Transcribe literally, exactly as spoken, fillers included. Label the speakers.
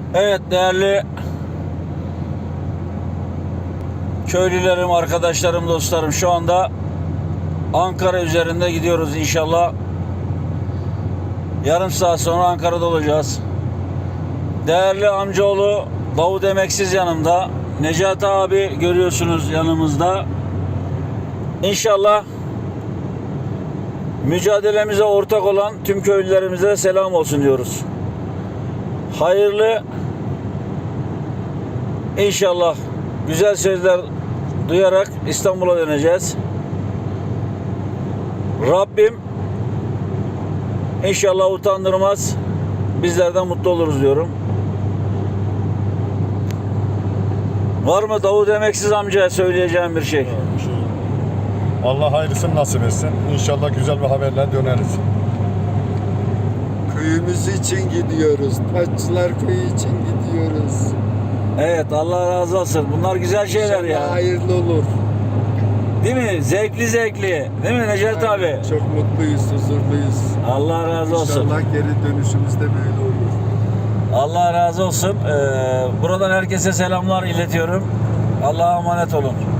Speaker 1: Evet değerli köylülerim, arkadaşlarım, dostlarım, şu anda Ankara üzerinde gidiyoruz inşallah. Yarım saat sonra Ankara'da olacağız. Değerli amcaoğlu Davut Emeksiz yanımda. Necati abi görüyorsunuz yanımızda. İnşallah mücadelemize ortak olan tüm köylülerimize selam olsun diyoruz. Hayırlı, İnşallah güzel sözler duyarak İstanbul'a döneceğiz. Rabbim inşallah utandırmaz. Bizlerden mutlu oluruz diyorum. Var mı Davut Emeksiz amcaya söyleyeceğim bir şey?
Speaker 2: Allah hayırlısını nasip etsin. İnşallah güzel bir haberle döneriz.
Speaker 3: Köyümüz için gidiyoruz. Taççılar Köyü için gidiyoruz.
Speaker 1: Evet, Allah razı olsun. Bunlar güzel şeyler
Speaker 3: İnşallah
Speaker 1: ya.
Speaker 3: hayırlı olur.
Speaker 1: Değil mi? Zevkli zevkli. Değil mi Necati abi?
Speaker 3: Çok mutluyuz, huzurluyuz.
Speaker 1: Allah razı olsun.
Speaker 3: İnşallah geri dönüşümüzde böyle olur.
Speaker 1: Allah razı olsun. Ee, buradan herkese selamlar iletiyorum. Allah'a emanet olun.